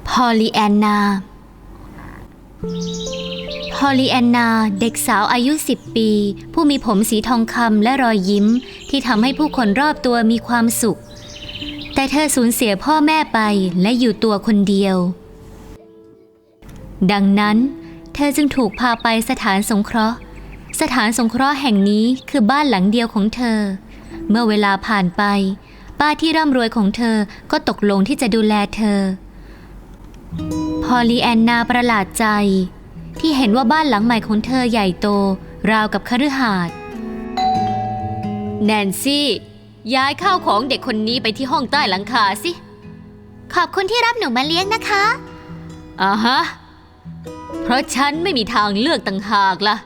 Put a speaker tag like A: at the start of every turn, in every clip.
A: พอลลีแอนนาเด็กสาวอายุ10 ปีผู้มีผมสีทองคำและรอยยิ้มที่ทำให้ผู้คนรอบตัวมีความสุขแต่เธอสูญเสียพ่อแม่ไปและอยู่ตัวคนเดียวดังนั้นเธอจึงถูกพาไปสถานสงเคราะห์แห่งนี้คือบ้านหลังเดียวของเธอเมื่อเวลาผ่านไปป้าที่ร่ำรวยของเธอก็ตกลงที่จะดูแลเธอพอลลีแอนนาประหลาดใจที่เห็นว่าบ้านหลังใหม่ของเธอใหญ่โตราวกับคฤหาสน์แนนซี่ย้ายข้าวของเด็กคนนี้ไปที่ห้องใต้หลังคาสิขอบคุณที่รับหนูมาเลี้ยงนะคะฮะเพราะฉันไม่มีทางเลือกต่างหากล่ะ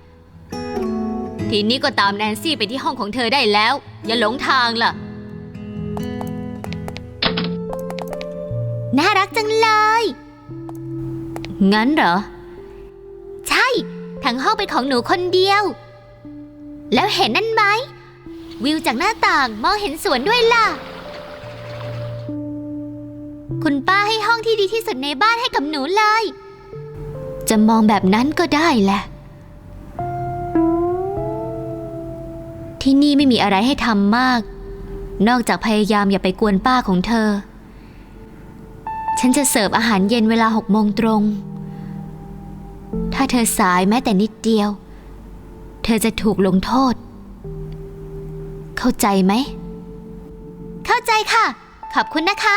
A: ทีนี้ก็ตามแนนซี่ไปที่ห้องของเธอได้แล้วอย่าหลงทางล่ะน่ารักจังเลยงั้นเหรอใช่ทั้งห้องเป็นของหนูคนเดียวแล้วเห็นนั่นไหมวิวจากหน้าต่างมองเห็นสวนด้วยล่ะคุณป้าให้ห้องที่ดีที่สุดในบ้านให้กับหนูเลยจะมองแบบนั้นก็ได้แหละที่นี่ไม่มีอะไรให้ทำมากนอกจากพยายามอย่าไปกวนป้าของเธอฉันจะเสิร์ฟอาหารเย็นเวลา6 โมงตรงถ้าเธอสายแม้แต่นิดเดียวเธอจะถูกลงโทษเข้าใจไหมเข้าใจค่ะขอบคุณนะคะ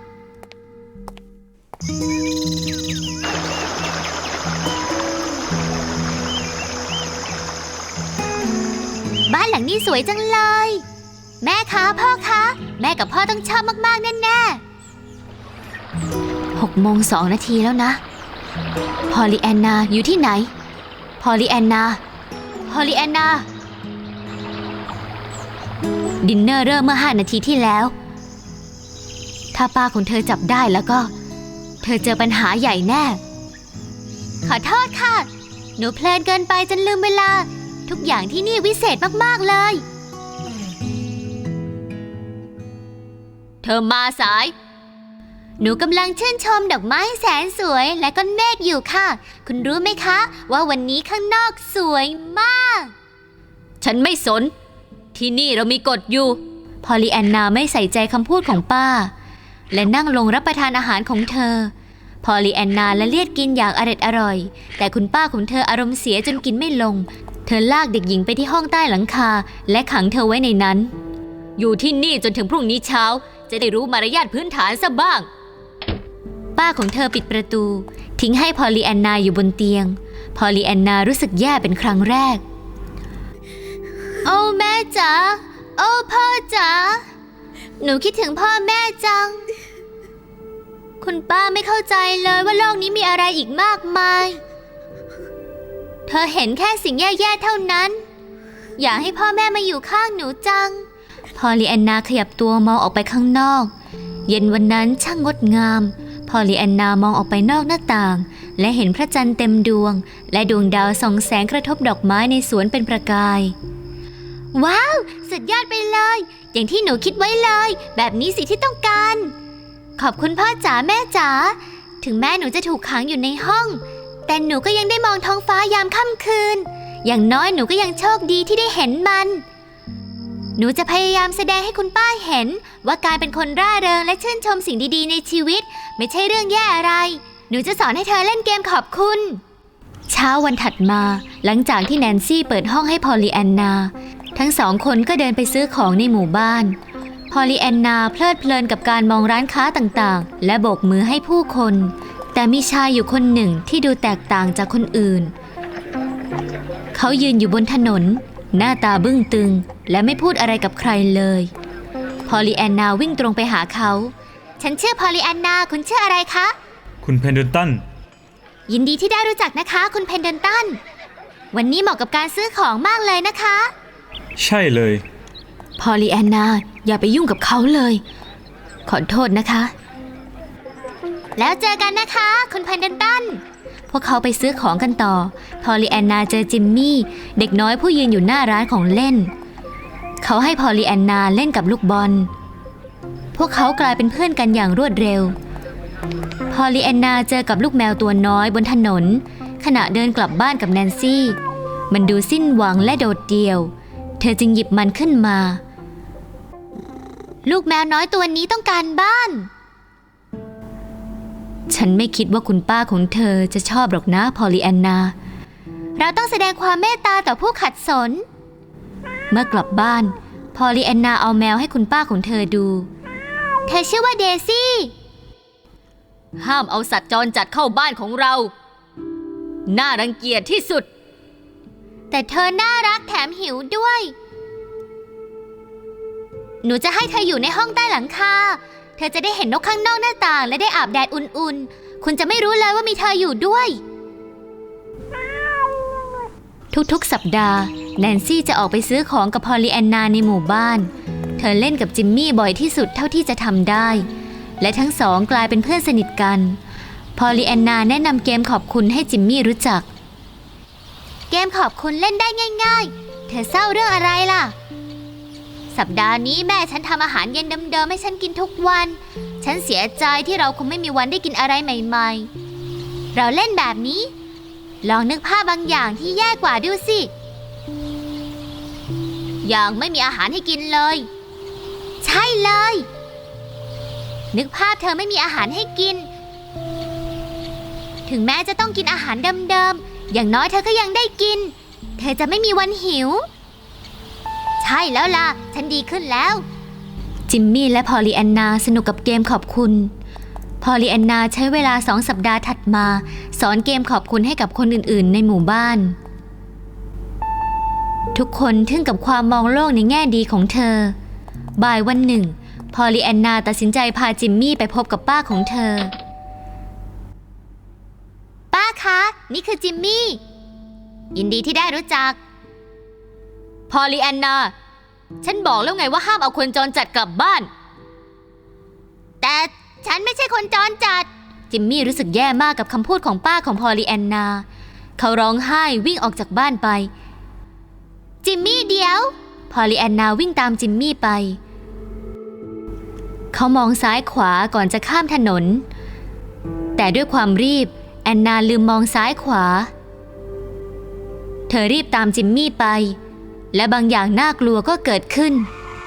A: บ้านหลังนี้สวยจังเลยแม่คะพ่อคะแม่กับพ่อต้องชอบมากๆแน่ๆ6 โมง 2 นาทีแล้วนะพอลลีแอนนาอยู่ที่ไหนพอลลีแอนนาดินเนอร์เริ่มเมื่อ5 นาทีที่แล้วถ้าป้าของเธอจับได้แล้วก็เธอเจอปัญหาใหญ่แน่ขอโทษค่ะหนูเพลินเกินไปจนลืมเวลาทุกอย่างที่นี่วิเศษมากๆเลยเธอมาสายหนูกำลังชื่นชมดอกไม้แสนสวยและก้อนเมฆอยู่ค่ะคุณรู้ไหมคะว่าวันนี้ข้างนอกสวยมากฉันไม่สนที่นี่เรามีกฎอยู่พอลลีแอนนาไม่ใส่ใจคำพูดของป้าและนั่งลงรับประทานอาหารของเธอพอลลีแอนนาละเลียดกินอย่างอร่อยแต่คุณป้าของเธออารมณ์เสียจนกินไม่ลงเธอลากเด็กหญิงไปที่ห้องใต้หลังคาและขังเธอไว้ในนั้นอยู่ที่นี่จนถึงพรุ่งนี้เช้าจะได้รู้มารยาทพื้นฐานซะบ้างป้าของเธอปิดประตูทิ้งให้พอลลีแอนนาอยู่บนเตียงพอลลีแอนนารู้สึกแย่เป็นครั้งแรกโอ้แม่จ๋าโอ้พ่อจ๋าหนูคิดถึงพ่อแม่จังคุณป้าไม่เข้าใจเลยว่าโลกนี้มีอะไรอีกมากมายเธอเห็นแค่สิ่งแย่ๆเท่านั้นอยากให้พ่อแม่มาอยู่ข้างหนูจังพอลลีแอนนาขยับตัวมองออกไปข้างนอกเย็นวันนั้นช่างงดงามพอลลีแอนนามองออกไปนอกหน้าต่างและเห็นพระจันทร์เต็มดวงและดวงดาวส่องแสงกระทบดอกไม้ในสวนเป็นประกายว้าวสุดยอดไปเลยอย่างที่หนูคิดไว้เลยแบบนี้สิที่ต้องการขอบคุณพ่อจ๋าแม่จ๋าถึงแม่หนูจะถูกขังอยู่ในห้องแต่หนูก็ยังได้มองท้องฟ้ายามค่ำคืนอย่างน้อยหนูก็ยังโชคดีที่ได้เห็นมันหนูจะพยายามแสดงให้คุณป้าเห็นว่าการเป็นคนร่าเริงและชื่นชมสิ่งดีๆในชีวิตไม่ใช่เรื่องแย่อะไรหนูจะสอนให้เธอเล่นเกมขอบคุณเช้าวันถัดมาหลังจากที่แนนซี่เปิดห้องให้พอลลีแอนนาทั้ง2 คนก็เดินไปซื้อของในหมู่บ้านพอลลีแอนนาเพลิดเพลินกับการมองร้านค้าต่างๆและโบกมือให้ผู้คนแต่มีชายอยู่คนหนึ่งที่ดูแตกต่างจากคนอื่นเขายืนอยู่บนถนนหน้าตาบึ้งตึงและไม่พูดอะไรกับใครเลยพอลลีแอนนาวิ่งตรงไปหาเขาฉันชื่อพอลลีแอนนาคุณชื่ออะไรคะ
B: คุณเพนเดลตัน
A: ยินดีที่ได้รู้จักนะคะคุณเพนเดลตันวันนี้เหมาะกับการซื้อของมากเลยนะคะ
B: ใช่เลย
A: พอลลีแอนนาอย่าไปยุ่งกับเขาเลยขอโทษนะคะแล้วเจอกันนะคะคุณเพนเดลตันพวกเขาไปซื้อของกันต่อพอลลีแอนนาเจอจิมมี่เด็กน้อยผู้ยืนอยู่หน้าร้านของเล่นเขาให้พอลลีแอนนาเล่นกับลูกบอลพวกเขากลายเป็นเพื่อนกันอย่างรวดเร็วพออลลีแอนนาเจอกับลูกแมวตัวน้อยบนถนนขณะเดินกลับบ้านกับแนนซี่มันดูสิ้นหวังและโดดเดี่ยวเธอจึงหยิบมันขึ้นมาลูกแมวน้อยตัวนี้ต้องการบ้านฉันไม่คิดว่าคุณป้าของเธอจะชอบหรอกนะพอลลีแอนนาเราต้องแสดงความเมตตาต่อผู้ขัดสนเมื่อกลับบ้านพอลลีแอนนาเอาแมวให้คุณป้าของเธอดูเธอชื่อว่าเดซี่ห้ามเอาสัตว์จรจัดเข้าบ้านของเราน่ารังเกียจที่สุดแต่เธอน่ารักแถมหิวด้วยหนูจะให้เธออยู่ในห้องใต้หลังคาเธอจะได้เห็นนกข้างนอกหน้าต่างและได้อาบแดดอุ่นๆคุณจะไม่รู้เลยว่ามีเธออยู่ด้วยทุกๆสัปดาห์แนนซี่จะออกไปซื้อของกับพอลลีแอนนาในหมู่บ้านเธอเล่นกับจิมมี่บ่อยที่สุดเท่าที่จะทำได้และทั้งสองกลายเป็นเพื่อนสนิทกันพอลลีแอนนาแนะนำเกมขอบคุณให้จิมมี่รู้จักเกมขอบคุณเล่นได้ง่ายๆเธอเศร้าเรื่องอะไรล่ะสัปดาห์นี้แม่ฉันทำอาหารเย็นเดิมๆให้ฉันกินทุกวันฉันเสียใจที่เราคงไม่มีวันได้กินอะไรใหม่ๆเราเล่นแบบนี้ลองนึกภาพบางอย่างที่แย่กว่าดูสิอย่างไม่มีอาหารให้กินเลยใช่เลยนึกภาพเธอไม่มีอาหารให้กินถึงแม้จะต้องกินอาหารเดิมๆอย่างน้อยเธอก็ยังได้กินเธอจะไม่มีวันหิวใช่แล้วล่ะฉันดีขึ้นแล้วจิมมี่และพอลลีแอนนาสนุกกับเกมขอบคุณพอลลีแอนนาใช้เวลา2 สัปดาห์ถัดมาสอนเกมขอบคุณให้กับคนอื่นๆในหมู่บ้านทุกคนทึ่งกับความมองโลกในแง่ดีของเธอบ่ายวันหนึ่งพอลลีแอนนาตัดสินใจพาจิมมี่ไปพบกับป้าของเธอป้าคะนี่คือจิมมี่ยินดีที่ได้รู้จักพอลลีแอนนาฉันบอกแล้วไงว่าห้ามเอาคนจรจัดกลับบ้านแต่ฉันไม่ใช่คนจรจัดจิมมี่รู้สึกแย่มากกับคำพูดของป้าของพอลลีแอนนาเขาร้องไห้วิ่งออกจากบ้านไปจิมมี่เดี๋ยวพอลลีแอนนาวิ่งตามจิมมี่ไปเขามองซ้ายขวาก่อนจะข้ามถนนแต่ด้วยความรีบแอนนาลืมมองซ้ายขวาเธอรีบตามจิมมี่ไปและบางอย่างน่ากลัวก็เกิดขึ้น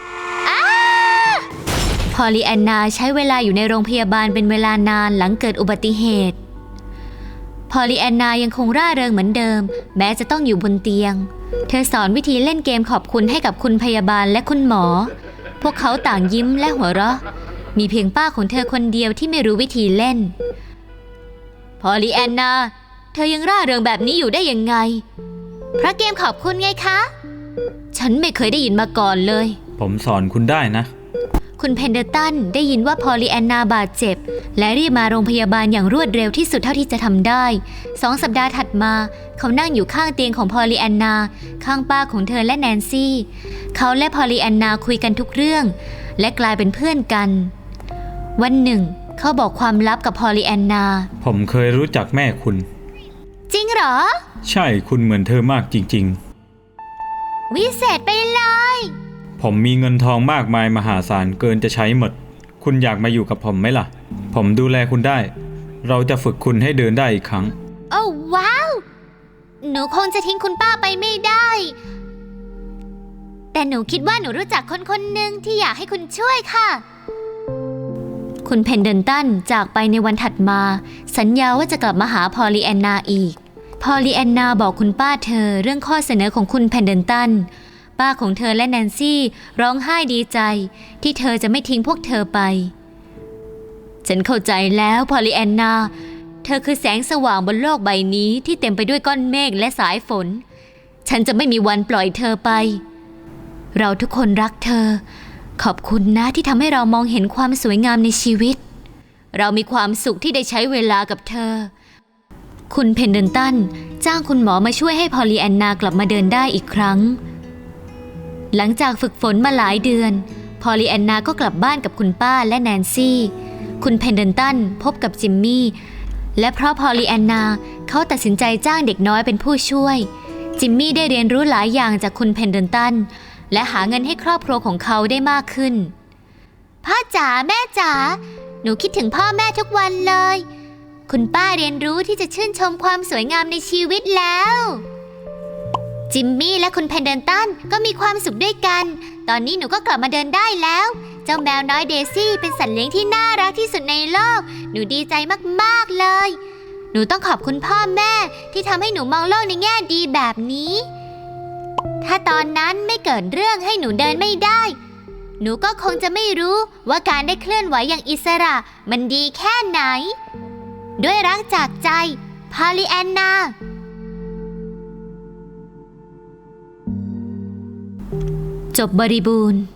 A: พอลลีแอนนาใช้เวลาอยู่ในโรงพยาบาลเป็นเวลานานหลังเกิดอุบัติเหตุพอลลีแอนนายังคงร่าเริงเหมือนเดิมแม้จะต้องอยู่บนเตียงเธอสอนวิธีเล่นเกมขอบคุณให้กับคุณพยาบาลและคุณหมอพวกเขาต่างยิ้มและหัวเราะมีเพียงป้าของเธอคนเดียวที่ไม่รู้วิธีเล่นพอลลีแอนนาเธอยังร่าเริงแบบนี้อยู่ได้ยังไงเพราะเกมขอบคุณไงคะฉันไม่เคยได้ยินมาก่อนเลย
B: ผมสอนคุณได้นะ
A: คุณเพนเดอร์ตันได้ยินว่าพอลลีแอนนาบาดเจ็บและรีบมาโรงพยาบาลอย่างรวดเร็วที่สุดเท่าที่จะทำได้2 สัปดาห์ถัดมาเขานั่งอยู่ข้างเตียงของพอลลีแอนนาข้างป้าของเธอและแนนซี่เขาและพอลลีแอนนาคุยกันทุกเรื่องและกลายเป็นเพื่อนกันวันหนึ่งเขาบอกความลับกับพอลลีแอนนา
B: ผมเคยรู้จักแม่คุณ
A: จริงเหรอ
B: ใช่คุณเหมือนเธอมากจริง
A: ๆวิเศษไปเลย
B: ผมมีเงินทองมากมายมหาศาลเกินจะใช้หมดคุณอยากมาอยู่กับผมไหมล่ะผมดูแลคุณได้เราจะฝึกคุณให้เดินได้อีกครั้ง
A: โอ้ว้าวหนูคงจะทิ้งคุณป้าไปไม่ได้แต่หนูคิดว่าหนูรู้จักคนคนหนึ่งที่อยากให้คุณช่วยค่ะคุณเพนเดนตันจากไปในวันถัดมาสัญญาว่าจะกลับมาหาพอลลีแอนนาอีกพอลลีแอนนาบอกคุณป้าเธอเรื่องข้อเสนอของคุณเพนเดนตันป้าของเธอและแนนซี่ร้องไห้ดีใจที่เธอจะไม่ทิ้งพวกเธอไปฉันเข้าใจแล้วพอลลีแอนนาเธอคือแสงสว่างบนโลกใบนี้ที่เต็มไปด้วยก้อนเมฆและสายฝนฉันจะไม่มีวันปล่อยเธอไปเราทุกคนรักเธอขอบคุณนะที่ทำให้เรามองเห็นความสวยงามในชีวิตเรามีความสุขที่ได้ใช้เวลากับเธอคุณเพนเดนตันจ้างคุณหมอมาช่วยให้พอลลีแอนนากลับมาเดินได้อีกครั้งหลังจากฝึกฝนมาหลายเดือนพอลลีแอนนาก็กลับบ้านกับคุณป้าและแนนซี่คุณเพนเดนตันพบกับจิมมี่และเพราะพอลลีแอนนาเขาตัดสินใจจ้างเด็กน้อยเป็นผู้ช่วยจิมมี่ได้เรียนรู้หลายอย่างจากคุณเพนเดนตันและหาเงินให้ครอบครัวของเขาได้มากขึ้นพ่อจ๋าแม่จ๋าหนูคิดถึงพ่อแม่ทุกวันเลยคุณป้าเรียนรู้ที่จะชื่นชมความสวยงามในชีวิตแล้ว จิมมี่และคุณเพนเดนตันก็มีความสุขด้วยกัน ตอนนี้หนูก็กลับมาเดินได้แล้ว เจ้าแมวน้อยเดซี่เป็นสัตว์เลี้ยงที่น่ารักที่สุดในโลก หนูดีใจมากๆเลย หนูต้องขอบคุณพ่อแม่ที่ทำให้หนูมองโลกในแง่ดีแบบนี้ ถ้าตอนนั้นไม่เกิดเรื่องให้หนูเดินไม่ได้ หนูก็คงจะไม่รู้ว่าการได้เคลื่อนไหวอย่างอิสระมันดีแค่ไหน ด้วยรักจากใจ พอลลีแอนนา จบบริบูรณ์